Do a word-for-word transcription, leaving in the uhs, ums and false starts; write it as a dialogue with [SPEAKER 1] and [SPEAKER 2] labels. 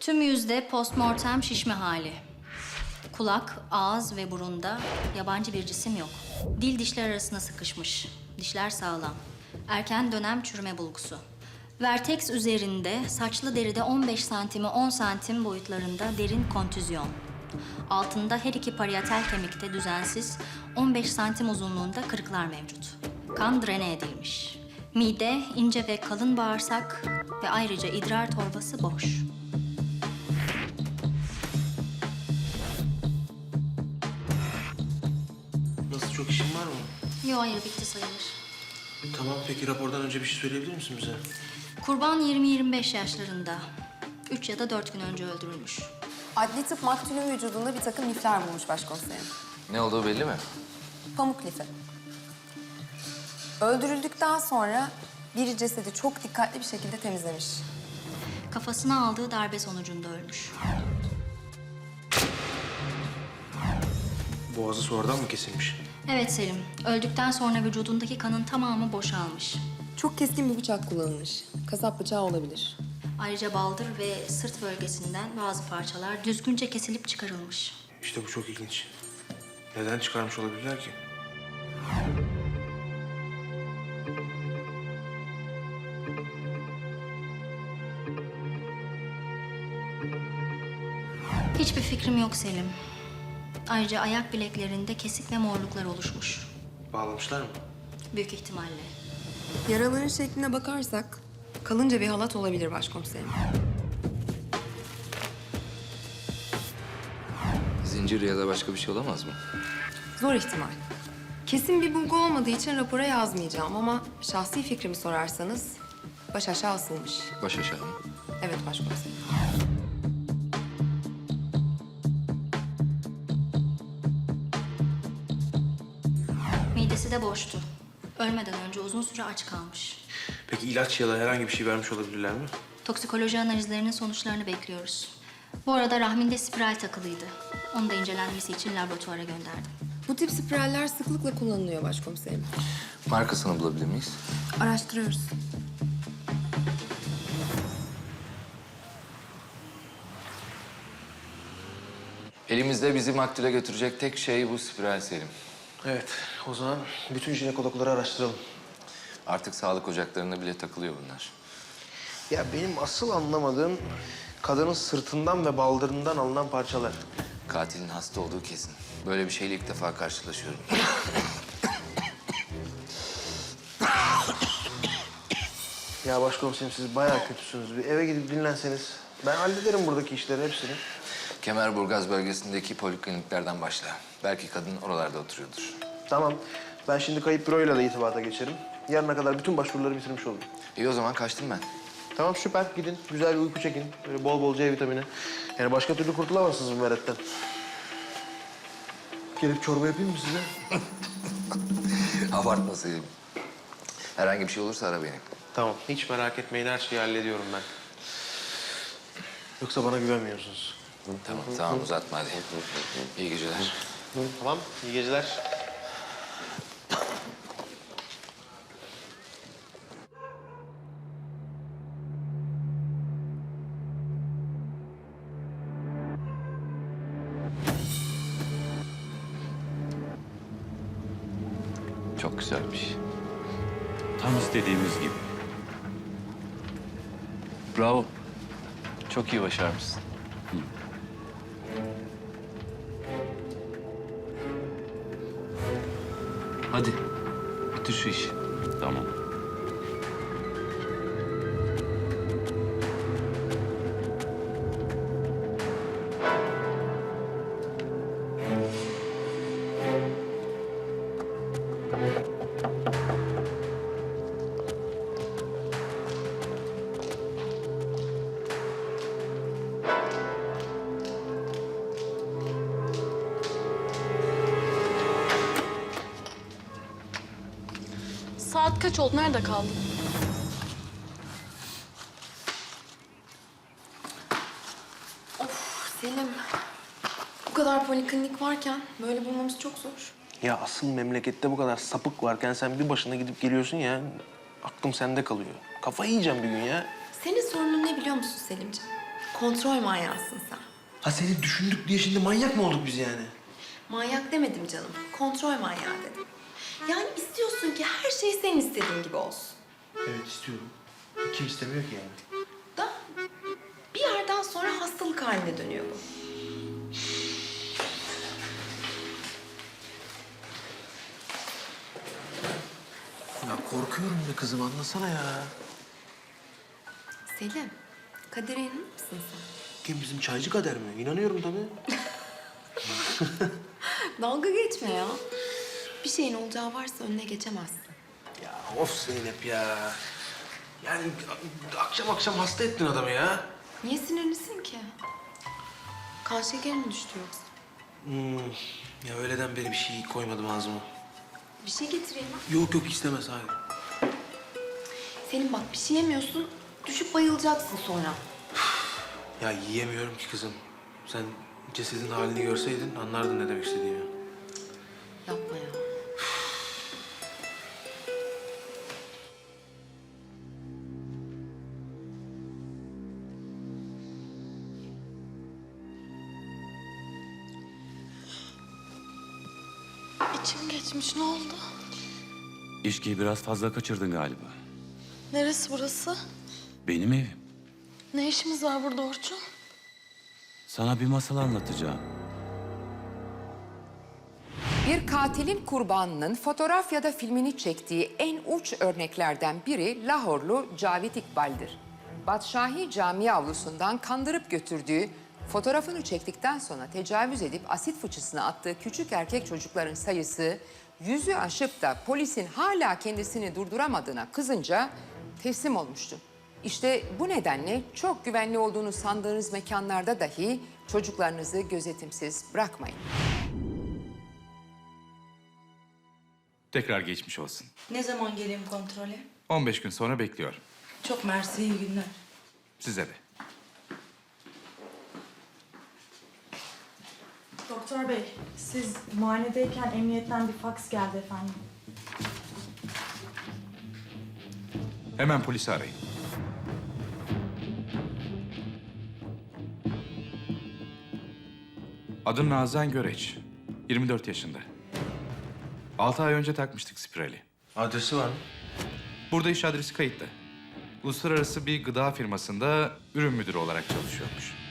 [SPEAKER 1] Tüm yüzde postmortem şişme hali. Kulak, ağız ve burunda yabancı bir cisim yok. Dil dişler arasına sıkışmış. Dişler sağlam. Erken dönem çürüme bulgusu. Vertex üzerinde saçlı deride on beş santimi on santim boyutlarında derin kontüzyon. Altında her iki parietal kemikte düzensiz on beş santim uzunluğunda kırıklar mevcut. Kan drene edilmiş. Mide, ince ve kalın bağırsak ve ayrıca idrar torbası boş.
[SPEAKER 2] Nasıl, çok işin var mı?
[SPEAKER 1] Yo, hayır, bitti sayılır.
[SPEAKER 2] Tamam, peki rapordan önce bir şey söyleyebilir misin bize?
[SPEAKER 1] Kurban yirmi yirmi beş yaşlarında. Üç ya da dört gün önce öldürülmüş.
[SPEAKER 3] Adli tıp maktulün vücudunda bir takım lifler bulmuş başkomiserim.
[SPEAKER 4] Ne olduğu belli mi?
[SPEAKER 3] Pamuk lifi. Öldürüldükten sonra biri cesedi çok dikkatli bir şekilde temizlemiş.
[SPEAKER 1] Kafasına aldığı darbe sonucunda ölmüş.
[SPEAKER 2] Boğazı sonradan mı kesilmiş?
[SPEAKER 1] Evet Selim, öldükten sonra vücudundaki kanın tamamı boşalmış.
[SPEAKER 3] Çok keskin bir bıçak kullanılmış. Kasap bıçağı olabilir.
[SPEAKER 1] Ayrıca baldır ve sırt bölgesinden bazı parçalar düzgünce kesilip çıkarılmış.
[SPEAKER 2] İşte bu çok ilginç. Neden çıkarmış olabilirler ki?
[SPEAKER 1] Hiçbir fikrim yok Selim. Ayrıca ayak bileklerinde kesik ve morluklar oluşmuş.
[SPEAKER 2] Bağlamışlar mı?
[SPEAKER 1] Büyük ihtimalle.
[SPEAKER 3] Yaraların şekline bakarsak kalınca bir halat olabilir başkomiserim.
[SPEAKER 4] Zincir ya da başka bir şey olamaz mı?
[SPEAKER 3] Zor ihtimal. Kesin bir bulgu olmadığı için rapora yazmayacağım ama şahsi fikrimi sorarsanız baş aşağı asılmış.
[SPEAKER 4] Baş aşağı mı?
[SPEAKER 3] Evet başkomiserim.
[SPEAKER 1] Midesi de boştu. Ölmeden önce uzun süre aç kalmış.
[SPEAKER 2] Peki ilaç ya da herhangi bir şey vermiş olabilirler mi?
[SPEAKER 1] Toksikoloji analizlerinin sonuçlarını bekliyoruz. Bu arada rahminde spiral takılıydı. Onu da incelenmesi için laboratuvara gönderdim.
[SPEAKER 3] Bu tip spiraller sıklıkla kullanılıyor başkomiserim.
[SPEAKER 4] Markasını bulabilir miyiz?
[SPEAKER 3] Araştırıyoruz.
[SPEAKER 4] Elimizde bizi maktule götürecek tek şey bu spiral Selim.
[SPEAKER 2] Evet, o zaman bütün jinekologları araştıralım.
[SPEAKER 4] Artık sağlık ocaklarına bile takılıyor bunlar.
[SPEAKER 2] Ya benim asıl anlamadığım kadının sırtından ve baldırından alınan parçalar.
[SPEAKER 4] Katilin hasta olduğu kesin. Böyle bir şeyle ilk defa karşılaşıyorum.
[SPEAKER 2] Ya başkomiserim, siz bayağı kötüsünüz. Bir eve gidip dinlenseniz. Ben hallederim buradaki işleri hepsini.
[SPEAKER 4] Kemerburgaz bölgesindeki polikliniklerden başla. Belki kadın oralarda oturuyordur.
[SPEAKER 2] Tamam. Ben şimdi kayıp büroyla da irtibata geçerim. Yarına kadar bütün başvuruları bitirmiş olurum.
[SPEAKER 4] İyi o zaman kaçtım ben.
[SPEAKER 2] Tamam, süper. Gidin. Güzel bir uyku çekin. Böyle bol bol C vitamini. Yani başka türlü kurtulamazsınız bu meretten. Gelip çorba yapayım mı size?
[SPEAKER 4] Abartma Selim. Herhangi bir şey olursa ara beni.
[SPEAKER 2] Tamam. Hiç merak etmeyin. Her şeyi hallediyorum ben. Yoksa bana güvenmiyorsunuz.
[SPEAKER 4] Tamam tamam uzatma hadi. İyi geceler.
[SPEAKER 2] Tamam. İyi geceler.
[SPEAKER 4] Çok güzelmiş.
[SPEAKER 5] Tam istediğimiz gibi. Bravo. Çok iyi başarmışsın. Hadi. Bitir şu işi. Tamam.
[SPEAKER 6] Saat kaç oldu? Nerede kaldın?
[SPEAKER 3] Of Selim. Bu kadar poliklinik varken böyle bulmamız çok zor.
[SPEAKER 2] Ya asıl memlekette bu kadar sapık varken sen bir başına gidip geliyorsun ya. Aklım sende kalıyor. Kafayı yiyeceğim bir gün ya.
[SPEAKER 3] Senin sorunun ne biliyor musun Selimciğim? Kontrol manyağısın sen.
[SPEAKER 2] Ha seni düşündük diye şimdi manyak mı olduk biz yani?
[SPEAKER 3] Manyak demedim canım. Kontrol manyağı dedim. Yani istiyorsun ki her şey senin istediğin gibi olsun.
[SPEAKER 2] Evet istiyorum. Kim istemiyor ki yani?
[SPEAKER 3] Da bir yerden sonra hastalık haline dönüyor bu.
[SPEAKER 2] Ya korkuyorum be kızım anlasana ya.
[SPEAKER 3] Selim, kadere inanır mısın sen?
[SPEAKER 2] Kim bizim çaycı kader mi? İnanıyorum tabii.
[SPEAKER 3] Dalga geçme ya. Bir şeyin olacağı varsa önüne geçemezsin.
[SPEAKER 2] Ya of Zeynep ya. Yani akşam akşam hasta ettin adamı ya.
[SPEAKER 3] Niye sinirlisin ki? Kan şekerin mi düştü yoksa?
[SPEAKER 2] Hmm. Ya öğleden beri bir şey koymadım ağzıma.
[SPEAKER 3] Bir şey getireyim ha.
[SPEAKER 2] Yok yok istemez hayır.
[SPEAKER 3] Selim bak bir şey yemiyorsun, düşüp bayılacaksın sonra.
[SPEAKER 2] Ya yiyemiyorum ki kızım. Sen cesedin halini görseydin anlardın ne demek istediğimi.
[SPEAKER 3] Yapma ya.
[SPEAKER 6] İçim geçmiş, ne oldu?
[SPEAKER 5] İçkiyi biraz fazla kaçırdın galiba.
[SPEAKER 6] Neresi burası?
[SPEAKER 5] Benim evim.
[SPEAKER 6] Ne işimiz var burada Orçun?
[SPEAKER 5] Sana bir masal anlatacağım.
[SPEAKER 7] Bir katilin kurbanının fotoğraf ya da filmini çektiği en uç örneklerden biri Lahorlu Cavit İkbal'dir. Badşahi Camii avlusundan kandırıp götürdüğü, fotoğrafını çektikten sonra tecavüz edip asit fıçısına attığı küçük erkek çocukların sayısı yüzü aşıp da polisin hala kendisini durduramadığına kızınca teslim olmuştu. İşte bu nedenle çok güvenli olduğunu sandığınız mekanlarda dahi çocuklarınızı gözetimsiz bırakmayın.
[SPEAKER 8] Tekrar geçmiş olsun.
[SPEAKER 9] Ne zaman geleyim kontrole?
[SPEAKER 8] on beş gün sonra bekliyorum.
[SPEAKER 9] Çok mersi, iyi günler.
[SPEAKER 8] Size de.
[SPEAKER 10] Doktor bey, siz muayenedeyken emniyetten bir faks geldi efendim.
[SPEAKER 8] Hemen polisi arayın. Adım Nazan Göreç. yirmi dört yaşında. altı ay önce takmıştık spirali.
[SPEAKER 2] Adresi var mı?
[SPEAKER 8] Burada iş adresi kayıtlı. Uluslararası bir gıda firmasında ürün müdürü olarak çalışıyormuş.